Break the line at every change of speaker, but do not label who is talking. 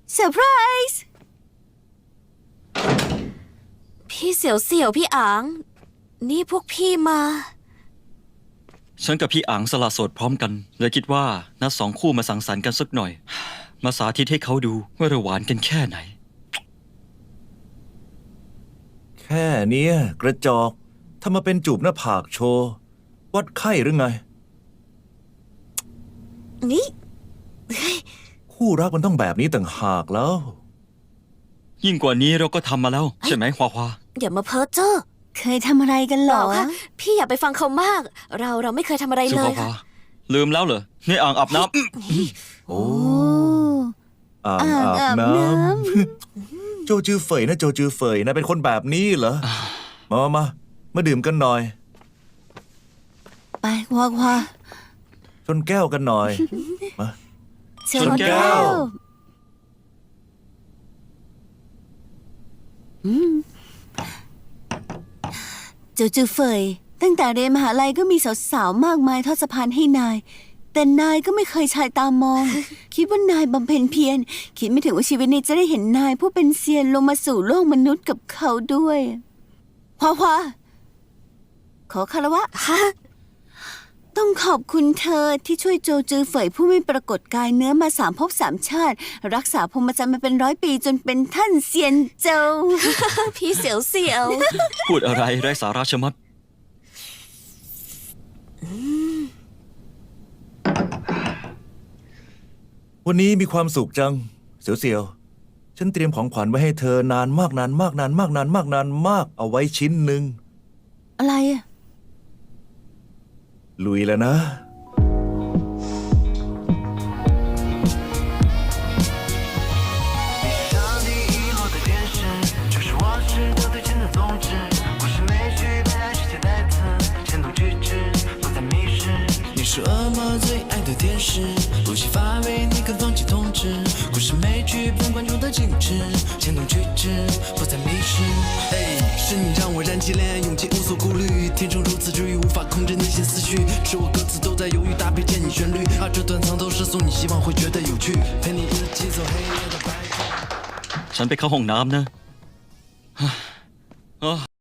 เซอร์ไพรส์พี่เสี่ยวพี่อังนี่พวกพี่มา
ฉันกับพี่อังสละโสดพร้อมกันเลยคิดว่านัดสองคู่มาสังสรรค์กันสักหน่อยมาสาธิตให้เขาดูว่าเราหวานกันแค่ไหน
แค่เนี้ยกระจอกถ้ามาเป็นจูบหน้าผากโชว์วัดไข้หรือไง
นี่
คู่รักมันต้องแบบนี้ต่างหากแล้ว
ยิ่งกว่านี้เราก็ทำมาแล้วใช่ไหมควาควา
อย่ามาเพ้อเจ้อ
เคยทำอะไรกันหรอ
ค่ะพี่อย่าไปฟังเขามากเราไม่เคยทำอะไรเลย
ค่ะลืมแล้วเหรอนี่อ่างอาบน้
ำโอ้อ่างอาบน้ำโจจือเฟยนะโจจือเฟยนะเป็นคนแบบนี้เหรอมาดื่มกันหน่อย
ไปควา
ชนแก้วกันหน่อยมา
ชนแก้ว
จูจูเฟยตั้งแต่เรียนมหาลัยก็มีสาวๆมากมายทอดสะพานให้นายแต่นายก็ไม่เคยชายตามอง คิดว่านายบำเพ็ญเพียรคิดไม่ถึงว่าชีวิตนี้จะได้เห็นนายผู้เป็นเซียนลงมาสู่โลกมนุษย์กับเขาด้วยควาขอคารวะต้องขอบคุณเธอที่ช่วยโจจือเฟยผู้ไม่ปรากฏกายเนื้อมา3 ภพ 3 ชาติรักษาพรหมจรรย์มาเป็น100 ปีจนเป็นท่านเซียนเจ้า
พี่เสี่ยว
พูดอะไรไร้สาระชะมัด
วันนี้มีความสุขจังเสี่ยวฉันเตรียมของขวัญไว้ให้เธอนานมากเอาไว้ชิ้นหนึ่ง
อะไรอะ
ลุยแล้วนะ
是恶魔最爱的天使，不惜发威，你肯放弃统治。故事美剧本观众的精致，牵动举止，不再迷失。哎，是你让我燃起恋爱勇气，无所顾虑，天生如此治愈，无法控制内心思绪。是我歌词都在犹豫，搭配见你旋律，这段藏头诗送你，希望会觉得有趣，陪你一起走黑夜的白昼。
ฉันไปเข้าห้องน้ำนะ